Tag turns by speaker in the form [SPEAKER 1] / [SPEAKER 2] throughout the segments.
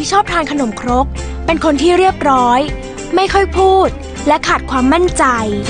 [SPEAKER 1] ที่ชอบทานขนมครกเป็นคนที่เรียบร้อยไม่ค่อยพูดและขาดความมั่นใจ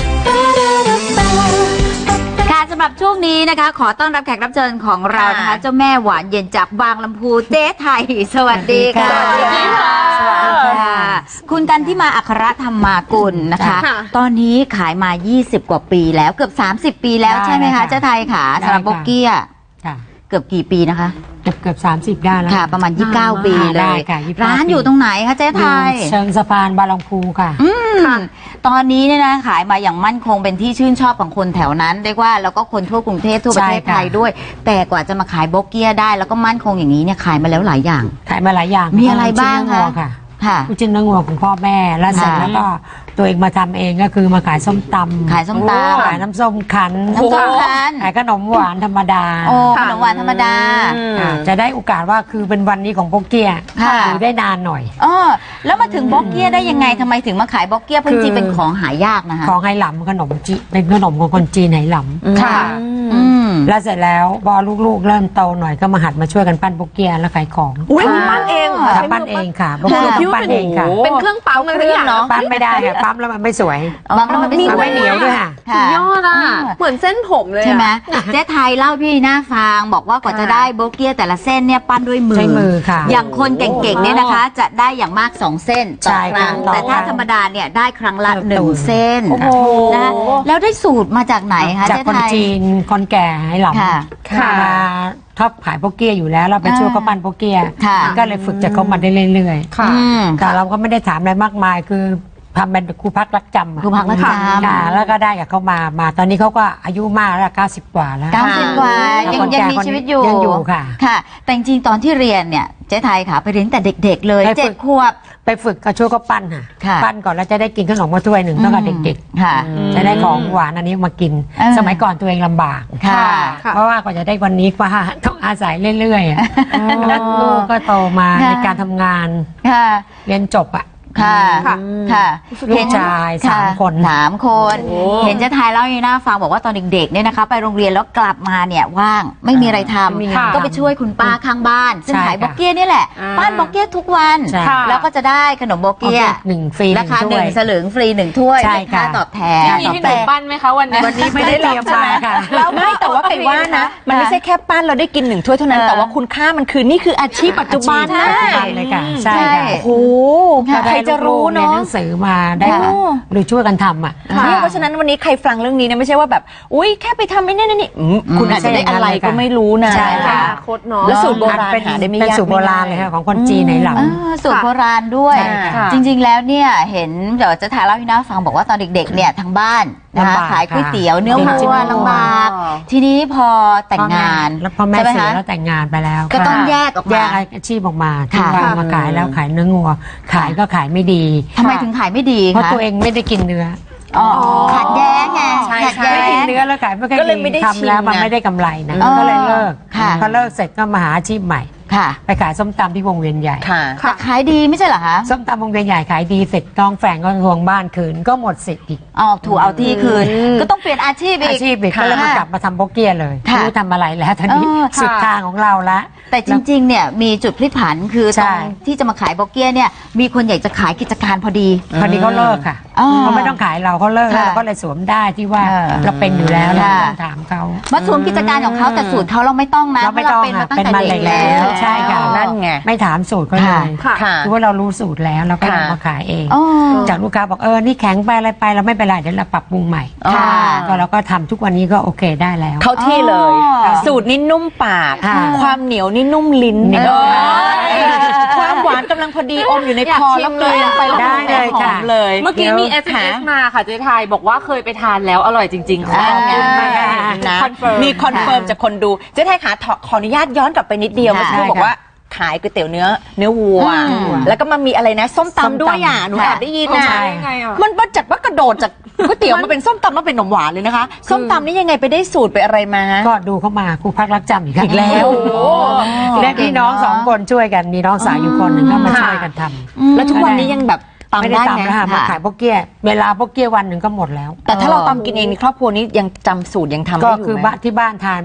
[SPEAKER 2] ค่ะสำหรับช่วงนี้นะคะขอต้อนรับแขกรับเชิญของเรานะคะเจ้าแม่หวานเย็นจากบางลำพูเจ๊ไทยสวัสดีค่ะสวัสดีค่ะคุณกันที่มาอัครธรรมากุลนะคะตอนนี้ขายมา20กว่าปีแล้วเกือบ30ปีแล้วใช่ไหมคะเจ๊ไทยค่ะสำหรับโบกี้เกือบกี่ปีนะคะ
[SPEAKER 3] เกือบ30ได้แล้ว
[SPEAKER 2] ค่ะประมาณ29ปีเลยร้านอยู่ตรงไหนคะเจ๊ไทย
[SPEAKER 3] เชิงสะพานบางลำพูค่ะ
[SPEAKER 2] ตอนนี้เนี่ยนะขายมาอย่างมั่นคงเป็นที่ชื่นชอบของคนแถวนั้นเรียกว่าแล้วก็คนทั่วกรุงเทพทั่วประเทศไทยด้วยแต่กว่าจะมาขายโบเกียได้แล้วก็มั่นคงอย่างนี้เนี่ยขายมาแล้วหลายอย่าง
[SPEAKER 3] ขายมาหลายอย่าง
[SPEAKER 2] มีอะไรบ้างคะ
[SPEAKER 3] ลูกชิ้นเนื้องัวของพ่อแม่แล้วเสร็จแล้วก็ตัวเองมาทำเองก็คือมาขายส้มตำ
[SPEAKER 2] ขายน้ำ
[SPEAKER 3] ส้มคั้นขายขนมหวานธรรมดา
[SPEAKER 2] ขนมหวานธรรมดา
[SPEAKER 3] จะได้โอกาสว่าคือเป็นวันนี้ของโบเกียอยู่ได้นานหน่อย
[SPEAKER 2] แล้วมาถึงโบเกียได้ยังไงทำไมถึงมาขายโบเกียเพราะจริงเป็นของหายากนะคะ
[SPEAKER 3] ของไหหลำขนมจีเป็นขนมของคนจีนไหหลำ
[SPEAKER 2] ค่ะ
[SPEAKER 3] แล้วเสร็จแล้วพอลูกๆเริ่มโตหน่อยก็มาหัดมาช่วยกันปั้นโบเกียแล้วขายของ
[SPEAKER 4] ปั้นเอง
[SPEAKER 3] ปั้นเองค่ะโบเกียปั้นเองค่ะ
[SPEAKER 4] เป็นเครื่องปั๊มเครื่องเนาะ
[SPEAKER 3] ปั้นไม่ได้ค่ะปั๊มแล้วมันไม่สวย
[SPEAKER 2] ปั๊มแล้วมันไม่
[SPEAKER 3] เหนียวด้วยค่ะ
[SPEAKER 4] สุดยอดอ่ะเหมือนเส้นผมเลย
[SPEAKER 2] ใช่ไหมเจ๊ไทยเล่าพี่หน้าฟังบอกว่ากว่าจะได้โบเกียแต่ละเส้นเนี่ยปั้นด้วยมือ
[SPEAKER 3] ค่ะ
[SPEAKER 2] อย่างคนเก่งๆเนี่ยนะคะจะได้อย่างมาก2เส้นต่อครั้งแต่ถ้าธรรมดาเนี่ยได้ครั้งละ1เส้นนะแล้วได้สูตรมาจากไหนคะ
[SPEAKER 3] จากคนจีนคนแก่ให้หลับมาชอบขายโบเกียอยู่แล้วเราไปช่วยเขาปั้นโบเกียก็เลยฝึกจากเขามาได้เรื่อยๆแต่เราก็ไม่ได้ถามอะไรมากมายคือทำเป็นครูพักรักจำ
[SPEAKER 2] ครูพักรักจำ
[SPEAKER 3] แล้วก็ได้กับเขามาตอนนี้เขาก็อายุมากแล้ว90 กว่าแล้ว
[SPEAKER 2] 90 กว่ายังมีชีวิตอยู่ค่ะแต่จริงๆตอนที่เรียนเนี่ยเจ๊ไทยค่ะไปเรียนแต่เด็กๆเลย7 ขวบ
[SPEAKER 3] ไปฝึกก็ช่วยเขาปั้นค่ะปั้นก่อนแล้วจะได้กินขนมมาถ้วยหนึ่งตั้งแต่เด็กๆจะได้ของหวานอันนี้มากินสมัยก่อนตัวเองลำบากเพราะว่ากว่าจะได้วันนี้ก็ต้องอาศัยเรื่อยๆแล้วลูกก็โตมาในการทำงานเรียนจบ
[SPEAKER 2] ค่ะ
[SPEAKER 3] ลูกชาย3 คน
[SPEAKER 2] เห็นเจ๊ไทยเล่าให้น่าฟังบอกว่าตอนเด็กๆเนี่ยนะคะไปโรงเรียนแล้วกลับมาเนี่ยว่างไม่มีอะไรทำก็ไปช่วยคุณป้าข้างบ้านซึ่งขายโบเกียนี่แหละปั้นโบเกียทุกวันแล้วก็จะได้ขนมโบเกีย
[SPEAKER 3] 1 ฟรี
[SPEAKER 2] ราคา1 สลึงฟรี1 ถ้วยเป็นค่าตอบแทน
[SPEAKER 4] มีขนมปั้นไหมคะวันนี้
[SPEAKER 3] ไม่ได้เตรียมมาค่ะ
[SPEAKER 4] แล้วไม่แต่ว่าไปว่านะมันไม่ใช่แค่ปั้นเราได้กิน1 ถ้วยเท่านั้นแต่ว่าคุณค่ามันคือนี่คืออาชีพปัจจุบันนะ
[SPEAKER 3] เลยค่ะใช่
[SPEAKER 4] โอ้ใครจะรู้เนาะ
[SPEAKER 3] หนังสือมาได้หรือช่วยกันทำ
[SPEAKER 4] เพราะฉะนั้นวันนี้ใครฟังเรื่องนี้เนี่ยไม่ใช่ว่าแบบอุ้ยแค่ไปทำไม่นี่คุณอาจจะได้อะไรก็ไม่รู้นะ
[SPEAKER 3] ใช่ค่ะ
[SPEAKER 4] โคตรเนาะแล้วสูตรโบราณหาได้ไม่ยาก
[SPEAKER 3] เป็นสูตรโบราณเลยค่ะของคนจีนไหหลำ
[SPEAKER 2] สูตรโบราณด้วยจริงๆแล้วเนี่ยเห็นเดี๋ยวจะถ่ายเล่าให้น้าฟังบอกว่าตอนเด็กๆเนี่ยทางบ้านนะคะขายก๋วยเตี๋ยวเนื้อวัวลำบากทีนี้พอแต่งงาน
[SPEAKER 3] แล้วพ่อแม่เสียแล้วแต่งงานไปแล้ว
[SPEAKER 2] ก็ต้องแยกออกมา
[SPEAKER 3] อาชีพออกมาที่ว่ามาขายแล้วขายเนื้องัวขายก็ขายไม่ดี
[SPEAKER 2] ทำไมถึงขายไม่ดี
[SPEAKER 3] เพราะตัวเองไม่ได้กินเนื้อ
[SPEAKER 2] ขัดแย้งไงขัดแย้ง
[SPEAKER 3] ไม่กินเนื้อแล้วขายไม่ค่อยดีทำแล้วมันไม่ได้กำไรนะก็เลยเลิกพอเลิกเสร็จก็มาหาอาชีพใหม่ไปขายส้มตำที่วงเวียนใหญ่
[SPEAKER 2] ขายดีไม่ใช่เหรอคะ
[SPEAKER 3] ส้มตำวงเวียนใหญ่ขายดีเสร็จน้องแฝงก็ทวงบ้านคืนก็หมดสิทธิ์อีก
[SPEAKER 2] ถูกเอาที่คืนก็ต้องเปลี่ยนอาชีพอีก
[SPEAKER 3] ก็เลยมากลับมาทำโบเกียเลยไม่รู้ทำอะไรแล้วตอนนี้สุดทางของเราละ
[SPEAKER 2] แต่จริงๆเนี่ยมีจุดพลิกผันคือตอนที่จะมาขายโบเกียเนี่ยมีคนอยากจะขายกิจการพอดี
[SPEAKER 3] เขาเลิกค่ะเขาไม่ต้องขายเราเขาเลิกเราก็เลยสวมได้ที่ว่าเราเป็นอยู่แล้วเราต้องถามเขา
[SPEAKER 2] มาสวมกิจการของเขาแต่สูตรเขาเราไม่ต้องนะ
[SPEAKER 3] เราไม่ต้อง
[SPEAKER 2] เป็นมาตั้งแต่เด็กแล้ว
[SPEAKER 3] ใช่ค่ะนั่นไงไม่ถามสูตรก็เลยคือว่าเรารู้สูตรแล้วเราก็มาขายเองจากลูกค้าบอกนี่แข็งไปอะไรไปเราไม่เป็นไรเดี๋ยวเราปรับปรุงใหม่ก็เราก็ทำทุกวันนี้ก็โอเคได้แล้ว
[SPEAKER 4] เข้าที่เลยสูตรนี่นุ่มปากความเหนียวนี่นุ่มลิ้นความหวานกำลังพอดีอมอยู่ในคอแล้วเลยไป
[SPEAKER 3] ได้เลยค่ะ
[SPEAKER 4] เมื่อกี้มี SMS มาค่ะเจ๊ไทยบอกว่าเคยไปทานแล้วอร่อยจริงๆค่ะมีคอนเฟิร์มจากคนดูเจ๊ไทยค่ะขออนุญาตย้อนกลับไปนิดเดียวเมื่อกี้บอกว่าขายก๋วยเตี๋ยวเนื้อวัวแล้วก็มามีอะไรนะส้มตำด้วยหนูแอบได้ยินนะมันบัดจัดว่ากระโดดจากก๋วยเตี๋ยวมาเป็นส้มตำมาเป็นขนมหวานเลยนะคะส้มตำนี่ยังไงไปได้สูตรไปอะไรมา
[SPEAKER 3] ก็ดูเข้ามาครูพักรักจำอีกแล้วและพี่น้อง2 คนช่วยกันมีน้องสาวอยู่คนหนึ่งก็มาช่วยกันท
[SPEAKER 4] ำแล้วทุกวันนี้ยังแบบ
[SPEAKER 3] ไม่ได้ตำนะคะมาขายโบเกียเวลาโบเกียวันหนึ่งก็หมดแล้ว
[SPEAKER 4] แต่ถ้าเราตำกินเองในครอบครัวนี้ยังจำสูตรยังทำได้อยู่ไหม
[SPEAKER 3] ก็คือที่บ้านทานไม่แบบ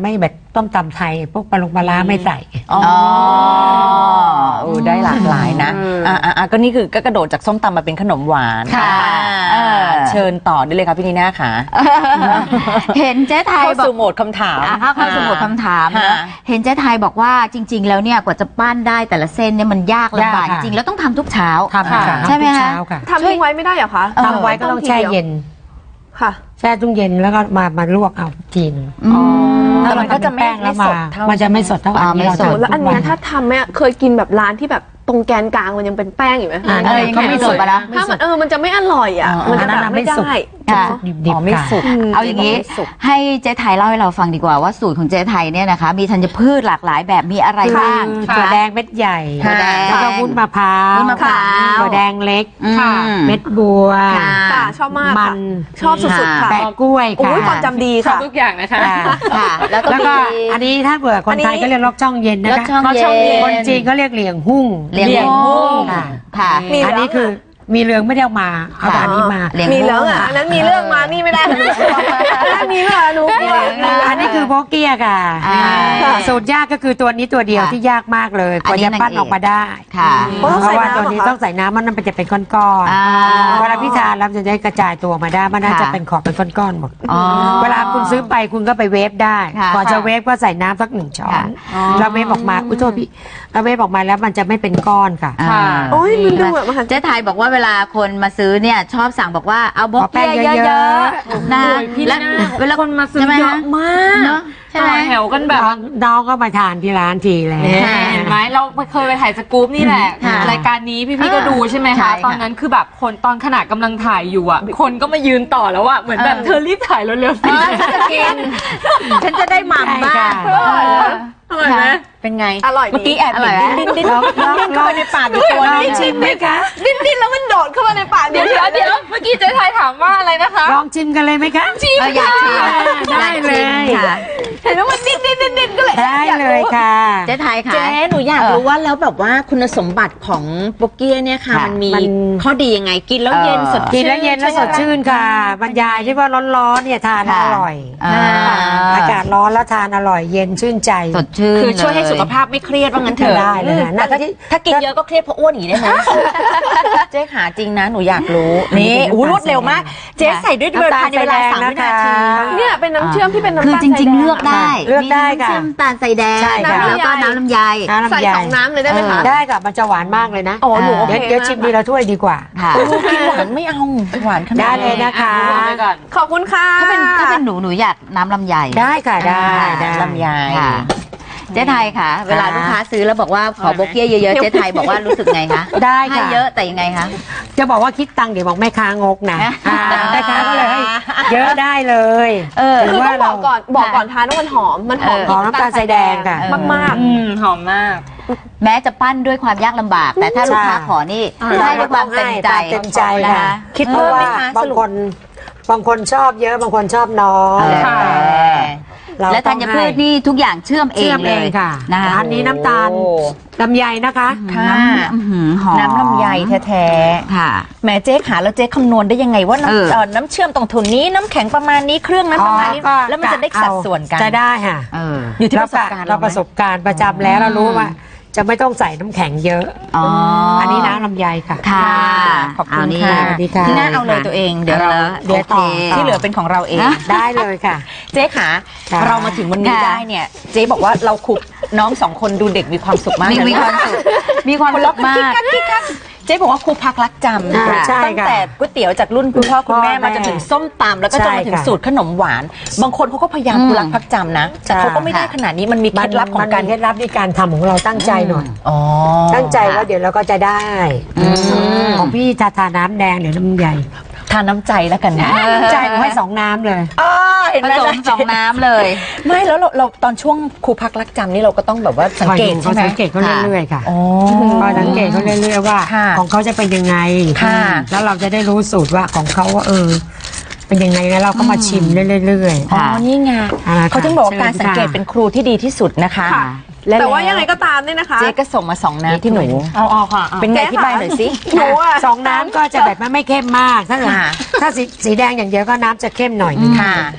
[SPEAKER 3] ต้มตำไทยพวกปลาร้าไม่ใส่
[SPEAKER 4] อ๋อได้หลากหลายนะก็นี่คือก็กระโดดจากส้มตำมาเป็นขนมหวานค่ะเชิญต่อได้เลยค่ะพี่นีน่าค่ะ
[SPEAKER 2] เห็นเจ๊ไทย
[SPEAKER 4] เข้าสู่โหมดคำถาม
[SPEAKER 2] เข้าสู่โหมดคำถามนะเห็นเจ๊ไทยบอกว่าจริงๆแล้วเนี่ยกว่าจะปั้นได้แต่ละเส้นเนี่ยมันยากลำบากจริงๆแล้วต้องทำทุกเช้าใช่ไหมคะ
[SPEAKER 5] ทำทิ้งไว้ไม่ได้เหรอคะ
[SPEAKER 3] ทำไว้ก็ต้องแช่เย็น
[SPEAKER 5] ค่ะ
[SPEAKER 3] แช่ตู้เย็นแล้วก็มาลวกเอาทีนึง
[SPEAKER 4] แต่มันก็จะไม่สด
[SPEAKER 3] มันจะไม่สดเท่าอันนี้เราทำ
[SPEAKER 5] แล้วอันนี้ถ้าทำเนี่ยเคยกินแบบร้านที่แบบตรงแกนกลางมันยังเป็นแป้งอยู่ไหม
[SPEAKER 2] ก็ไม่สุกแล้ว
[SPEAKER 5] ถ้ามันจะไม่อร่อยอ่ะมันจะแบบไม่ได้
[SPEAKER 3] ดิบๆ
[SPEAKER 4] ไม่สุก
[SPEAKER 2] เอาอย่างนี้ให้เจ๊ไทยเล่าให้เราฟังดีกว่าว่าสูตรของเจ๊ไทยเนี่ยนะคะมีธัญพืชหลากหลายแบบมีอะไรบ้าง
[SPEAKER 3] ถั่วแดงเม็ดใหญ่แล้วก็วุ้นมะพร้าวถั่วแดงเล็กเม็ดบัว
[SPEAKER 5] ชอบมาก
[SPEAKER 3] มัน
[SPEAKER 5] ชอบสุดๆค่ะ
[SPEAKER 3] แปะกล้วยค่ะ
[SPEAKER 5] ความจำดีค่ะ
[SPEAKER 4] ทุกอย่างนะคะ
[SPEAKER 3] แล้วก็อันนี้ถ้าเผื่อคนไทยก็เรียกลอกช่องเย็นนะคะคนจีนก็เรียกเหลียงหุ้งค่ะอันนี้คือมีเรื่องไม่ได้เอามาเอาอันนี้มา
[SPEAKER 5] มีเรื่องอันนั้นมีเรื่องมานี่ไม่ได้มีเรื่องหนู
[SPEAKER 3] อันนี้คือโบเกียค่ะสูตรยากก็คือตัวนี้ตัวเดียวที่ยากมากเลยกว่าจะปั้นออกมาได้เพราะว่าตัวนี้ต้องใส่น้ำมันจะเป็นก้อนๆเวลาพี่ทานแล้วจะได้กระจายตัวมาได้มันน่าจะเป็นขอบเป็นก้อนๆหมดเวลาคุณซื้อไปคุณก็ไปเวฟได้ก่อนจะเวฟก็ใส่น้ำสัก1 ช้อนแล้วเวฟออกมาอุ้ยโทษพี่แล้วเวฟออกมาแล้วมันจะไม่เป็นก้อนค่ะ
[SPEAKER 5] โอ้ยมันดูแบบ
[SPEAKER 2] เจ๊ไทยบอกว่าเวลาคนมาซื้อเนี่ยชอบสั่งบอกว่าเอาบอกแป้งเยอะๆนะแล้วเวลาคนมาซื้อเยอะมากใช่ไหม
[SPEAKER 4] แถวกันแบบ
[SPEAKER 3] น้องก็มาทานที่ร้านทีแล้ว
[SPEAKER 4] เห็นไหมเราเคยไปถ่ายสกู๊ปนี่แหละรายการนี้พี่ๆก็ดูใช่ไหมคะตอนนั้นคือแบบคนตอนขณะกำลังถ่ายอยู่อ่ะคนก็มายืนต่อแล้วอ่ะเหมือนแบบเธอรีบถ่ายเร็วๆสิ
[SPEAKER 2] ฉันจะได้หม่ำบ้าง
[SPEAKER 5] อร่อยไหม
[SPEAKER 4] เป็นไง
[SPEAKER 5] อร่อย
[SPEAKER 4] เมื่อกี้แอบดิ้นเข้าไปในปากอยู่ตัวนึง
[SPEAKER 3] ชิมไหมคะ
[SPEAKER 5] ดิ้นแล้วมันโดดเข้ามาในปาก
[SPEAKER 4] เดี๋ยวเมื่อกี้เจ๊ไทยถามว่าอะไรนะคะ
[SPEAKER 3] ลองชิมกันเลยไหมคะ
[SPEAKER 2] ชิมอยากชิม
[SPEAKER 3] ได้เลยค่ะ
[SPEAKER 5] เห็นว่ามันดิ้นก็เลย
[SPEAKER 3] ได้เลยค่ะ
[SPEAKER 2] เจ๊ไทยค่ะ
[SPEAKER 4] เจ๊หนูอยากรู้ว่าแล้วแบบว่าคุณสมบัติของโบเกียเนี่ยค่ะมันมีข้อดียังไงกินแล้วเย็นสด
[SPEAKER 3] กินแล้วเย็นแล้วสดชื่นค่ะบรรยายที่ว่าร้อนๆเนี่ยทานอร่อยอากาศร้อนแล้วทานอร่อยเย็นชื่นใจ
[SPEAKER 2] สดชื่น
[SPEAKER 4] คือช่วยให้สุขภาพไม่เครียดว่างั้นเถอะ
[SPEAKER 3] ได้เลยนะ
[SPEAKER 4] ถ้ากินเยอะก็เครียดเพราะอ้วนอีกได้ไหมเจ๊ขาจริงนะหนูอยากรู้นี่รวดเร็วมากเจ๊ใส่ด้วยเวลาในเวลา3 วินาที
[SPEAKER 5] เนี่ยเป็นน้ำเชื่อมที่เป็นน้ำตาล
[SPEAKER 2] คือจริงๆเลือกได้
[SPEAKER 3] ค่ะ
[SPEAKER 2] น้ำตาลใส่แดงแล้วก็น้ำลำไย
[SPEAKER 5] ใส่2 น้ำเลยได้ไหมคะ
[SPEAKER 3] ได้ค่ะมันจะหวานมากเลยนะเดี๋ยวชิมดีละถ้วยดีกว่า
[SPEAKER 4] กินหวานไม่เอาหวานขนาด
[SPEAKER 3] ได้เลยนะคะ
[SPEAKER 5] ขอบคุณค่ะ
[SPEAKER 2] ถ้าเป็นหนูอยากน้ำลำไย
[SPEAKER 3] ได้ค่ะได้
[SPEAKER 4] ลำไย
[SPEAKER 2] เจ๊ไทยค่ะเวลาลูกค้าซื้อแล้วบอกว่าขอโบเกียเยอะๆเจ๊ไทยบอกว่ารู้สึกไงคะ
[SPEAKER 3] ได้ค่ะ
[SPEAKER 2] ให้เยอะแต่ยังไงคะ
[SPEAKER 3] จะบอกว่าคิดตังค์เดี๋ยวบอกแม่ค้างกนะแม่ค้าก็เลยให้เยอะได้เลย
[SPEAKER 5] คือต้องบอกก่อนทานว่ามันหอม
[SPEAKER 3] น้ำตาลใส่แดงค่ะ
[SPEAKER 5] มาก
[SPEAKER 4] หอมมาก
[SPEAKER 2] แม้จะปั้นด้วยความยากลำบากแต่ถ้าลูกค้าขอนี่ให้ด้วยความเต็มใจ
[SPEAKER 3] ค่ะคิดว่าบางคนชอบเยอะบางคนชอบน้อย
[SPEAKER 2] และธัญพืชนี่ทุกอย่างเชื่อมเองเลย
[SPEAKER 3] ค่ะนะคะอันนี้น้ำตาลลำไยนะคะ
[SPEAKER 4] น้ำลำไยแท้ๆค่ะแม่เจ๊ขาแล้วเจ๊คำนวณได้ยังไงว่าน้ำเชื่อมตรงทุนนี้น้ำแข็งประมาณนี้เครื่องนั้นประมาณนี้แล้วมันจะได้สัดส่วนกัน
[SPEAKER 3] จะได้ค่ะ
[SPEAKER 4] อยู่ที่ประสบการณ์
[SPEAKER 3] เราประสบการณ์ประจำแล้วเรารู้ว่าจะไม่ต้องใส่น้ำแข็งเยอะอันนี้น้ำลำไยค่ะ
[SPEAKER 2] ค่ะ
[SPEAKER 4] ขอบคุณค่ะที่น่าเอาเลยตัวเองเดี๋ยวต่อที่เหลือเป็นของเราเอง
[SPEAKER 3] ได้เลยค่ะ
[SPEAKER 4] เจ๊ขาเรามาถึงวันนี้ได้เนี่ยเจ๊บอกว่าเราคุกน้อง2 คนดูเด็กมีความสุขมาก
[SPEAKER 2] มีความสุขมาก
[SPEAKER 4] เจ๊บอกว่าครูพักรักจำตั้งแต่ก๋วยเตี๋ยวจากรุ่นคุณพ่อคุณแม่มาจนถึงส้มตำแล้วก็จนมาถึงสูตรขนมหวานบางคนเขาก็พยายามครูรักพักจำนะแต่เขาก็ไม่ได้ขนาดนี้มันมีเคล็ดลับของการ
[SPEAKER 3] เคล็ดลับในการทำของเราตั้งใจหน่อยตั้งใจว่าเดี๋ยวเราก็จะได้ของพี่ทาน้ำแดงเดี๋ยวน้ำใหญ่
[SPEAKER 4] ทานน้ำใจแล้วกันนะ
[SPEAKER 3] ใจผมให้2 น้ำเลย
[SPEAKER 2] ผสม2 น้ำเลย
[SPEAKER 4] ไม่แล้วเราตอนช่วงครูพักรักจำนี่เราก็ต้องแบบว่าสังเกตใช่ไหม
[SPEAKER 3] สังเกตเขาเรื่อยๆค่ะพอสังเกตเขาเรื่อยๆว่าของเขาจะเป็นยังไงแล้วเราจะได้รู้สูตรว่าของเขาว่าเป็นยังไงแล้วเราก็มาชิมเรื่อยๆ
[SPEAKER 4] อ๋อนี่ไงเขาถึงบอกว่าการสังเกตเป็นครูที่ดีที่สุดนะคะ
[SPEAKER 5] แต่ว่ายังไงก็ตามเนี่ยนะคะ
[SPEAKER 4] เจ๊ก็ส่งมา2 น้ำที่หนู
[SPEAKER 5] เอาค่ะ
[SPEAKER 4] เป็นไงที่ใบหน่อยสิ
[SPEAKER 5] หนู
[SPEAKER 3] 2 น้ำก็จะแบบไม่เข้มมากถ้าสีแดงอย่างเดียวก็น้ำจะเข้มหน่อย
[SPEAKER 4] ค่ะ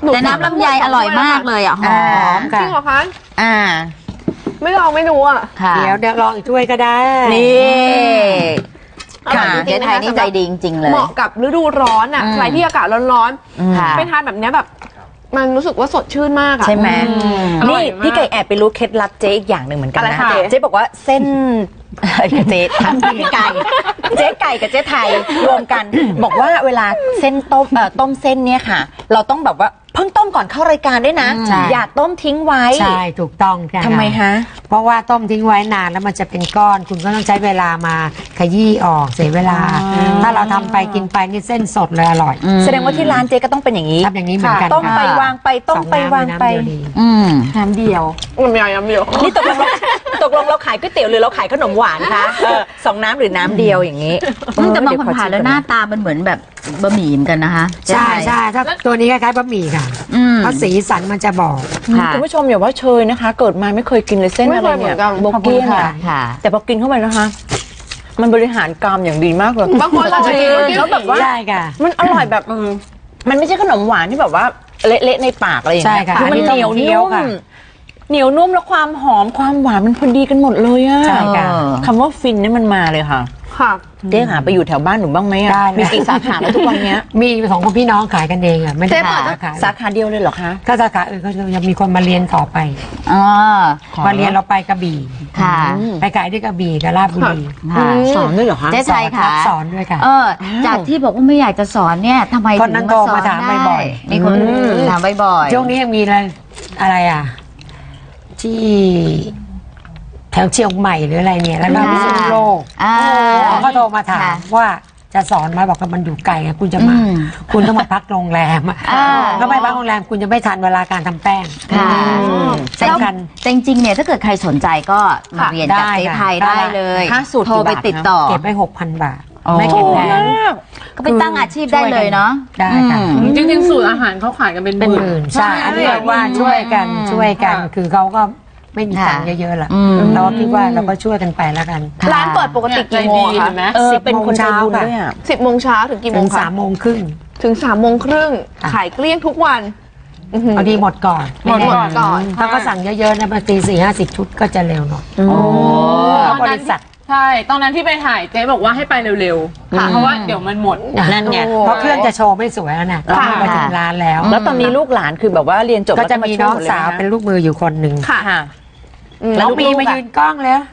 [SPEAKER 2] แต่น้ำลำไยอร่อยมากเลยอ่ะหอม
[SPEAKER 5] จริงเหรอคะ
[SPEAKER 4] อ่า
[SPEAKER 5] ไม่ลองไม่รู้อ่ะ
[SPEAKER 2] ค่ะ
[SPEAKER 3] เดี๋ยวลองอีกถ้วยก็ได้
[SPEAKER 4] นี่
[SPEAKER 5] ค่ะ
[SPEAKER 2] เจ๊ไทยนี่ใจดีจริงๆเลย
[SPEAKER 5] เหมาะกับฤดูร้อนอ่ะใครที่อากาศร้อน
[SPEAKER 2] ค่ะ
[SPEAKER 5] ๆไปทานแบบเนี้ยแบบ มันรู้สึกว่าสดชื่นมากอ่ะ
[SPEAKER 4] ใช่ไหม
[SPEAKER 5] อร่
[SPEAKER 4] นี่
[SPEAKER 5] อยมาก
[SPEAKER 4] พี่ไก่แอบไปรู้เคล็ดลับเจ๊อีกอย่างหนึ่งเหมือนกัน
[SPEAKER 5] อะไร
[SPEAKER 4] นะ
[SPEAKER 5] คะ
[SPEAKER 4] เจ๊บอกว่าเส้นเจ๊ทั้งพี่ไก่เจ๊ไก่กับเจ๊ไทยรวมกัน บอกว่าเวลาเส้นต้มเส้นเนี่ยค่ะ เราต้องแบบว่าเพิ่งต้มก่อนเข้ารายการด้วยนะ
[SPEAKER 3] ใช่
[SPEAKER 4] อย่าต้มทิ้งไว้
[SPEAKER 3] ใช่ถูกต้องค่ะ
[SPEAKER 4] ทำไมฮะ
[SPEAKER 3] เพราะว่าต้มทิ้งไว้นานแล้วมันจะเป็นก้อน คุณก็ต้องใช้เวลามาขยี้ออกเสียเวลา ถ้าเราทำไปกินไปนี่เส้นสดเลยอร่อย
[SPEAKER 4] แสดงว่าที่ร้านเจ๊ก็ต้องเป็นอย่างนี้
[SPEAKER 3] ทำอย่างนี้เหมือนกัน
[SPEAKER 4] ต้มไป
[SPEAKER 3] ค่ะ
[SPEAKER 4] วางไปต้มไปวางไป
[SPEAKER 3] สอน้ำน้ำเดียวดี
[SPEAKER 4] น้ำเดียว
[SPEAKER 5] มันมีอะไรเดียว
[SPEAKER 4] นี่ตกลงเราขายก๋วยเตี๋ยวหรือเราขายขนมหวานคะสองน้ำหรือน้ำเดียวอย่างนี้
[SPEAKER 2] แต่บางคนผ่านแล้วหน้าตามันเหมือนแบบบะหมี่เหมือนกันนะคะ
[SPEAKER 3] ใช่ใช่ถ้าตัวนี้คล้ายๆบะหมี่ค่ะเพราะสีสันมันจะบอก
[SPEAKER 2] ค่ะ
[SPEAKER 4] คุณผู้ชมอย่าว่าเชยนะคะ เกิดมาไม่เคยกินเลยเส้น
[SPEAKER 5] ไม่
[SPEAKER 4] อะไร
[SPEAKER 5] เคยเหมื
[SPEAKER 4] เนี่
[SPEAKER 5] อย นกัน
[SPEAKER 4] โบเกี้ยน
[SPEAKER 2] ค่ะ
[SPEAKER 4] อะ
[SPEAKER 2] ค่ะ
[SPEAKER 4] แต่พอกินเข้าไปนะคะ มันบริหารกรามอย่างดีมากเลย
[SPEAKER 5] บางคนอาจจะกิน
[SPEAKER 4] แล้วแบบว่า
[SPEAKER 3] ใช่ค่ะ
[SPEAKER 4] มันอร่อยแบบมันไม่ใช่ขนมหวานที่แบบว่าเละๆในปากอะไรอย่างเงี้ย
[SPEAKER 3] ใช่ค่ะ
[SPEAKER 4] คือมันเหนียว
[SPEAKER 3] อันนี้ต้องเคี้ยว
[SPEAKER 4] นุ่
[SPEAKER 3] ค่ะ
[SPEAKER 4] มเหนียวนุ่มแล้วความหอมความหวานมันพอดีกันหมดเลยอะ
[SPEAKER 3] ใช่ค่ะ
[SPEAKER 4] คำว่าฟินนี่มันมาเลยค่ะ
[SPEAKER 5] ค่ะ
[SPEAKER 4] เจ๊หาไปอยู่แถวบ้านหนูบ้างไหมอะ
[SPEAKER 3] ได้เลย
[SPEAKER 4] มีกี่สาขาแล้วทุกวันเนี้ย
[SPEAKER 3] มีของคนพี่น้องขายกันเองอ่ะไม่ได้
[SPEAKER 5] เจ๊เปิด
[SPEAKER 3] สาขา
[SPEAKER 4] สาขาเดียวเลยเหรอคะ
[SPEAKER 3] ถ้าสาขาอื่นก็จะมีคนมาเรียนต่อไป
[SPEAKER 2] อ๋อ
[SPEAKER 3] มาเรียนเราไปกระบี่
[SPEAKER 2] ค่ะ
[SPEAKER 3] ไปขายที่กระบี่กับราชบุรี
[SPEAKER 2] ค่ะ
[SPEAKER 4] สอนด้วยเหรอคะ
[SPEAKER 2] เจ๊ไทยค่ะ
[SPEAKER 3] รับสอนด้วยค่ะ
[SPEAKER 2] จากที่บอกว่าไม่อยากจะสอนเนี่ยทำไม
[SPEAKER 3] คน
[SPEAKER 2] ถึ
[SPEAKER 3] นั้น
[SPEAKER 2] ง
[SPEAKER 3] โทร
[SPEAKER 2] มาสอน
[SPEAKER 3] มาถาม
[SPEAKER 2] ได้
[SPEAKER 3] บ่อยๆ
[SPEAKER 2] มีคนถามบ่อยๆ
[SPEAKER 3] ช่วงนี้ยังมีอะไรอ่ะ ที่แถวเชียงใหม่หรืออะไรเนี่ยแล้วก็พิษณุโลก
[SPEAKER 2] อ่า
[SPEAKER 3] เขาก็โทรมาถาม
[SPEAKER 2] ค่ะ
[SPEAKER 3] ว่าจะสอนไหมบอกว่ามันอยู่ไกลอะคุณจะมา คุณต้องมาพักโรงแรมอะ
[SPEAKER 2] อ่า
[SPEAKER 3] ก็ไม่พักโรงแรมคุณจะไม่ทันเวลาการทำแป้ง
[SPEAKER 2] ค่ะ
[SPEAKER 3] สำคัญ
[SPEAKER 2] แต่จริงๆเนี่ยถ้าเกิดใครสนใจก็มาเรียนกับ
[SPEAKER 3] ได้
[SPEAKER 2] เจ๊
[SPEAKER 3] ค่ะ
[SPEAKER 2] ไทย
[SPEAKER 3] ได้
[SPEAKER 2] ได้เลย
[SPEAKER 4] ค่าสูตร
[SPEAKER 2] โทรไป
[SPEAKER 4] กี่บาท
[SPEAKER 2] ติดต่อ
[SPEAKER 3] เก็บไว้6,000 บาท
[SPEAKER 2] อ๋อ
[SPEAKER 3] ไม่เก็บแพง
[SPEAKER 2] ก็ไปตั้งอาชีพได้เลยเนาะ
[SPEAKER 3] ได้ค่ะ
[SPEAKER 6] จริงๆสูตรอาหารเขาขายกันเป็น
[SPEAKER 3] เป็น
[SPEAKER 6] ห
[SPEAKER 3] ห
[SPEAKER 6] มื่
[SPEAKER 3] มื่
[SPEAKER 6] น
[SPEAKER 3] นใช่อันนี้เรียกว่าช่วยกันคือเขาก็ไม่มีตังค์เยอะๆล่ะเราก็คิดว่าเราก็ช่วยกันไปแล้วกัน
[SPEAKER 5] ร้านเปิดปกติกี่โมงอะ
[SPEAKER 6] เห็
[SPEAKER 5] คะ
[SPEAKER 6] นไหม
[SPEAKER 4] เป็นคนใจบุญ
[SPEAKER 3] 10
[SPEAKER 4] ด้วยอะ
[SPEAKER 5] 10 โมงเช้าถึงกี่โม
[SPEAKER 3] ถึ
[SPEAKER 5] ง
[SPEAKER 3] ง
[SPEAKER 5] คะ
[SPEAKER 3] 3:30
[SPEAKER 5] ถึง3 โมงครึ่ง
[SPEAKER 3] ค่ะ
[SPEAKER 5] ขายเกลี้ยงทุกวันอื้อหือ
[SPEAKER 3] พอดีหมดก่อน
[SPEAKER 5] หมดก่อน
[SPEAKER 3] ถ้าก็สั่งเยอะๆนะบางที40-50 ชุดก็จะเร็วหน่อยเพราะบริษัท
[SPEAKER 6] ใช่ตอนนั้นที่ไปถ่ายเจ๊บอกว่าให้ไปเร็วๆเพราะว่าเดี๋ยวมันหมด
[SPEAKER 4] นั่นไง
[SPEAKER 3] เพราะเครื่องจะโชว์ไม่สวยแล้วนะต้องไปถึงร้านแล้ว
[SPEAKER 4] แล้วตอนนี้ลูกหลานคือแบบว่าเรียนจบ
[SPEAKER 3] ก็จะมีน้อง
[SPEAKER 4] แล้ว
[SPEAKER 3] สาว
[SPEAKER 4] ก็
[SPEAKER 3] เป็นลูกมืออยู่คนหนึ่ง
[SPEAKER 5] ค่ะ
[SPEAKER 4] ค่ะ
[SPEAKER 3] น้องบีมายืนกล้องแล้ว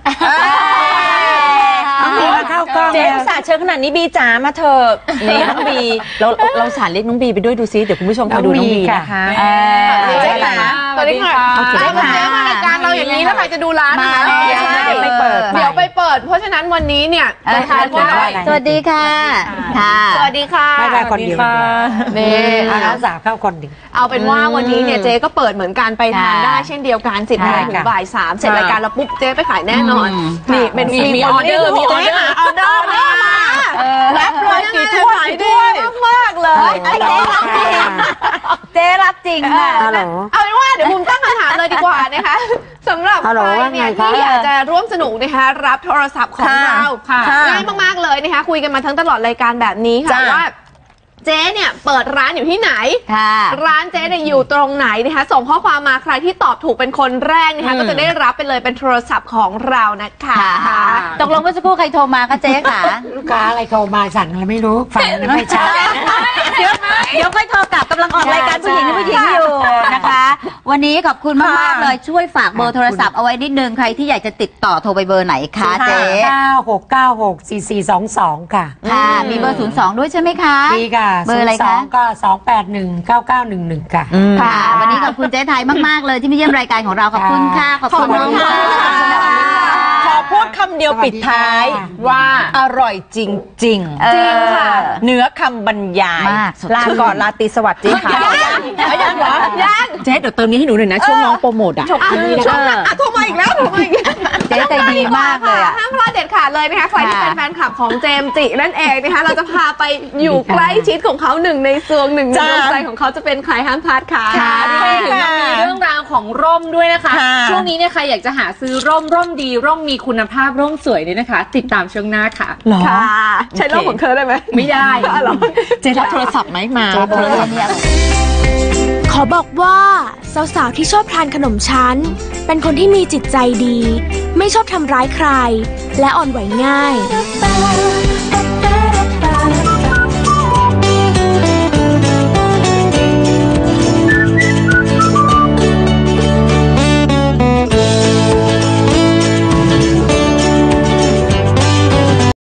[SPEAKER 3] น้องบีมาเข้ากล้อง
[SPEAKER 4] เจ๊
[SPEAKER 3] แล้ว
[SPEAKER 4] อุตส่าห์เชิญขนาดนี้บีจ๋ามาเถอะนี่น้องบีเราสารเรียกน้องบีไปด้วยดูซิเดี๋ยวคุณผู้ชมคอยดูน้องบีนะคะ
[SPEAKER 5] เจ๊ค่ะสวัสดีค่ะ
[SPEAKER 6] สวัสดีค่ะ
[SPEAKER 5] เจ๊มารายการเราอย่างนี้แล้วใครจะดูร้าน
[SPEAKER 2] มา
[SPEAKER 5] นะคะ
[SPEAKER 2] แล้ว
[SPEAKER 3] เดี๋ยวไปเปิด
[SPEAKER 5] เดี๋ยวไปเปิด เพราะฉะนั้นวันนี้เนี่ยจะทานว่า
[SPEAKER 2] สวัสดีค่ะ ค่ะ
[SPEAKER 5] สวัสดีค่ะ
[SPEAKER 3] ไม่ได้คนเดียว
[SPEAKER 5] นี่
[SPEAKER 3] เอาน้องสาวเข้าคนเดียว
[SPEAKER 5] เอาเป็นว่าวันนี้เนี่ยเจ๊ก็เปิดเหมือนกันไปทาน
[SPEAKER 2] ค่ะ
[SPEAKER 5] ได้เช่นเดียวกัน10 โมงถึงบ่าย 3เสร็จรายการแล้วปุ๊บเจ๊ไปขายแน่นอนนี่เป็น
[SPEAKER 6] มีออเดอร์มีออเดอร์
[SPEAKER 5] ออเดอร์มารับเลยกี่ถ้วยดีมากๆเลย
[SPEAKER 2] เจ๊รับจริงค่ะ
[SPEAKER 3] ฮัลโหล
[SPEAKER 5] เอาเป็นว่าเดี๋ยวบุมตั้งคำถามเลยดีกว่านะคะสำหรับ
[SPEAKER 3] ฮัลโหล
[SPEAKER 5] ใครเนี่ย
[SPEAKER 3] ว่าไงคะ
[SPEAKER 5] ที่อยากจะร่วมสนุกนะคะรับโทรศัพท์ของเรา
[SPEAKER 6] ค่ะ
[SPEAKER 5] ง่ายมากๆเลยนะคะคุยกันมาทั้งตลอดรายการแบบนี้ค่ะว่าเจ๊เนี่ยเปิดร้านอยู่ที่ไหน
[SPEAKER 2] ค่ะ
[SPEAKER 5] ร้านเจ๊เนี่ยอยู่ตรงไหนนะคะส่งข้อความมาใครที่ตอบถูกเป็นคนแรกนะคะก็จะได้รับไปเลยเป็นโทรศัพท์ของเรานะคะ
[SPEAKER 2] ตกลงเมื่อสักครู่ใครโทรมาคะเจ๊ค่ะ
[SPEAKER 3] ลูกค้าอะไรโทรมาสั่งอะไรไม่รู้ฟังไม่ชัด
[SPEAKER 2] เดี๋ยวค่อยโทรกลับกำลังออกรายการผู้หญิงที่ผู้หญิงอยู่นะคะ วันนี้ขอบคุณมากๆเลยช่วยฝากเบอร์โทรศัพท์เอาไว้นิดนึงใครที่อยากจะติดต่อโทรไปเบอร์ไหนคะเจ๊
[SPEAKER 3] 96964422 ค่ะ
[SPEAKER 2] ค่ะมีเบอร์02ด้วยใช่ไหมคะ
[SPEAKER 3] ดีค่ะ
[SPEAKER 2] เบอร์อะไรคะ
[SPEAKER 3] 02ก็2819911 ค่ะ
[SPEAKER 2] ค่ะ วันนี้ขอบคุณเจ๊ไทยมากๆเลยที่มาเยี่ยมรายการของเราขอบคุณค่ะขอบคุณ
[SPEAKER 5] ขอบคุณ
[SPEAKER 2] ค่ะ
[SPEAKER 5] ค่ะ
[SPEAKER 4] ขอพูดคำเดียวปิดท้าย
[SPEAKER 6] ว่า
[SPEAKER 4] อร่อยจริง
[SPEAKER 2] จริงค่ะ
[SPEAKER 4] เนื้อคำบรรยาย
[SPEAKER 2] มากสดชื่น
[SPEAKER 4] ลาก่อนลาตรีสวัสดีค่ะยังเหรอยังเจ๊เดี๋ยวเติมนี้ให้หนูหน่อยนะช่วงน้องโปรโมทอ่ะ
[SPEAKER 5] ช่วงโทรมาอีกแล้วโทรมาอีกแล้ว
[SPEAKER 2] เจ๊ใจดีมากเลยอะ
[SPEAKER 5] ห้ามพลาดเด็ดขาดเลยนะคะใครที่เป็นแฟนคลับของเจมส์จินั่นเองนะคะเราจะพาไปอยู่ใกล้ชิดของเขาหนึ่งในซวงหนึ่งในดวงใจของเขาจะเป็นใครห้ามพลาดค่ะ
[SPEAKER 6] ไปถึงมันมีเรื่องราวของร่มด้วยนะคะ
[SPEAKER 4] ค่ะ
[SPEAKER 6] ช่วงนี้เนี่ยใครอยากจะหาซื้อร่มดีร่มมีคุณภาพร่มสวยเนี่ยนะคะ ติดตามช่วงหน้าค่ะ
[SPEAKER 4] เหรอ
[SPEAKER 5] ค่ะ ใช้โลกของเธอได้ไหม
[SPEAKER 6] ไม่ได้
[SPEAKER 4] เจ๊รับโทรศัพท์ไหมมา
[SPEAKER 2] เจ๊เบอร์เนี่ย
[SPEAKER 1] ขอบอกว่าสาวๆที่ชอบทานขนมชั้นเป็นคนที่มีจิตใจดีไม่ชอบทำร้ายใครและอ่อนไหวง่าย